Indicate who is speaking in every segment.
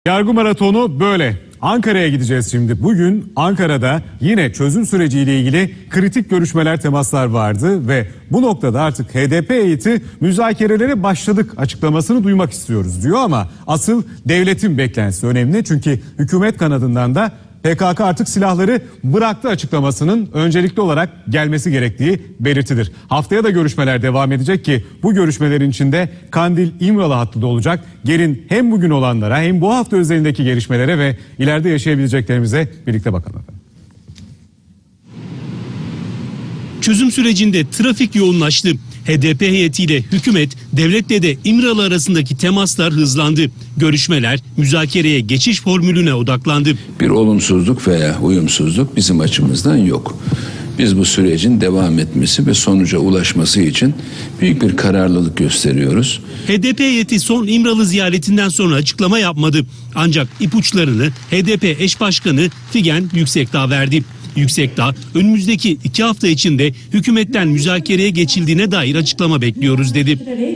Speaker 1: Yargı maratonu böyle. Ankara'ya gideceğiz şimdi. Bugün Ankara'da yine çözüm süreciyle ilgili kritik görüşmeler, temaslar vardı ve bu noktada artık HDP heyeti müzakerelere başladık açıklamasını duymak istiyoruz diyor ama asıl devletin beklentisi önemli. Çünkü hükümet kanadından da PKK artık silahları bıraktı açıklamasının öncelikli olarak gelmesi gerektiği belirtilir. Haftaya da görüşmeler devam edecek ki bu görüşmelerin içinde Kandil-İmralı hattı da olacak. Gelin hem bugün olanlara hem bu hafta özelindeki gelişmelere ve ileride yaşayabileceklerimize birlikte bakalım.
Speaker 2: Çözüm sürecinde trafik yoğunlaştı. HDP heyetiyle hükümet, devletle de İmralı arasındaki temaslar hızlandı. Görüşmeler müzakereye geçiş formülüne odaklandı.
Speaker 3: Bir olumsuzluk veya uyumsuzluk bizim açımızdan yok. Biz bu sürecin devam etmesi ve sonuca ulaşması için büyük bir kararlılık gösteriyoruz.
Speaker 2: HDP heyeti son İmralı ziyaretinden sonra açıklama yapmadı. Ancak ipuçlarını HDP eş başkanı Figen Yüksekdağ verdi. Yüksekdağ önümüzdeki 2 hafta içinde hükümetten müzakereye geçildiğine dair açıklama bekliyoruz dedi.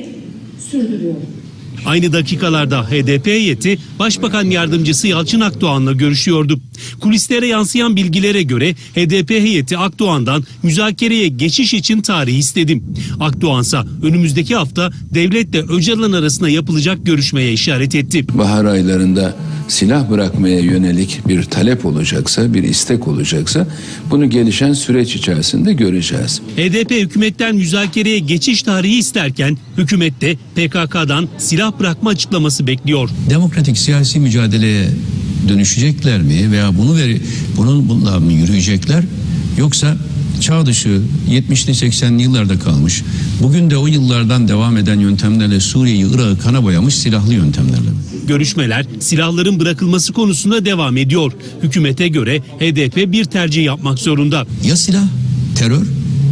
Speaker 2: Aynı dakikalarda HDP heyeti Başbakan Yardımcısı Yalçın Akdoğan'la görüşüyordu. Kulislere yansıyan bilgilere göre HDP heyeti Akdoğan'dan müzakereye geçiş için tarih istedi. Akdoğan'sa önümüzdeki hafta devletle Öcalan arasında yapılacak görüşmeye işaret etti.
Speaker 3: Bahar aylarında silah bırakmaya yönelik bir talep olacaksa, bir istek olacaksa bunu gelişen süreç içerisinde göreceğiz.
Speaker 2: HDP hükümetten müzakereye geçiş tarihi isterken hükümet de PKK'dan silah bırakma açıklaması bekliyor.
Speaker 4: Demokratik siyasi mücadeleye dönüşecekler mi veya bununla mı yürüyecekler, yoksa çağ dışı 70'li 80'li yıllarda kalmış, bugün de o yıllardan devam eden yöntemlerle Suriye'yi, Irak'ı kana boyamış silahlı yöntemlerle mi?
Speaker 2: Görüşmeler silahların bırakılması konusunda devam ediyor. Hükümete göre HDP bir tercih yapmak zorunda.
Speaker 4: Ya silah, terör,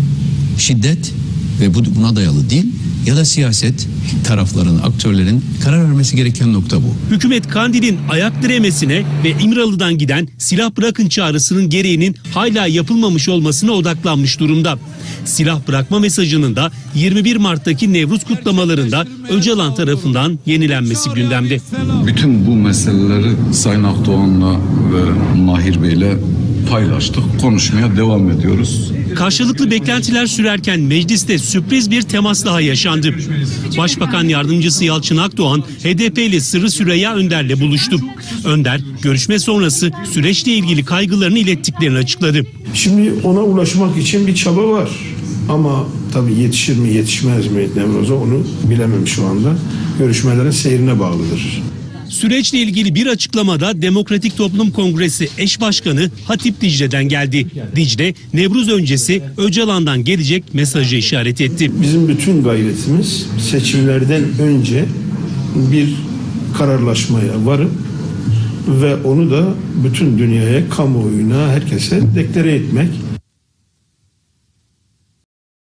Speaker 4: şiddet ve buna dayalı değil, ya da siyaset, tarafların, aktörlerin karar vermesi gereken nokta bu.
Speaker 2: Hükümet Kandil'in ayak diremesine ve İmralı'dan giden silah bırakın çağrısının gereğinin hala yapılmamış olmasına odaklanmış durumda. Silah bırakma mesajının da 21 Mart'taki Nevruz kutlamalarında Öcalan tarafından yenilenmesi gündemde.
Speaker 5: Bütün bu meseleleri Sayın Akdoğan'la ve Mahir Bey'le paylaştık. Konuşmaya devam ediyoruz.
Speaker 2: Karşılıklı beklentiler sürerken mecliste sürpriz bir temas daha yaşandı. Başbakan Yardımcısı Yalçın Akdoğan HDP'li Sırrı Süreyya Önder'le buluştu. Önder görüşme sonrası süreçle ilgili kaygılarını ilettiklerini açıkladı.
Speaker 6: Şimdi ona ulaşmak için bir çaba var. Ama tabii yetişir mi yetişmez mi Nevruz'a onu bilemem şu anda. Görüşmelerin seyrine bağlıdır.
Speaker 2: Süreçle ilgili bir açıklamada Demokratik Toplum Kongresi eş başkanı Hatip Dicle'den geldi. Dicle, Nevruz öncesi Öcalan'dan gelecek mesajı işaret etti.
Speaker 6: Bizim bütün gayretimiz seçimlerden önce bir kararlaşmaya varıp ve onu da bütün dünyaya, kamuoyuna, herkese deklare etmek.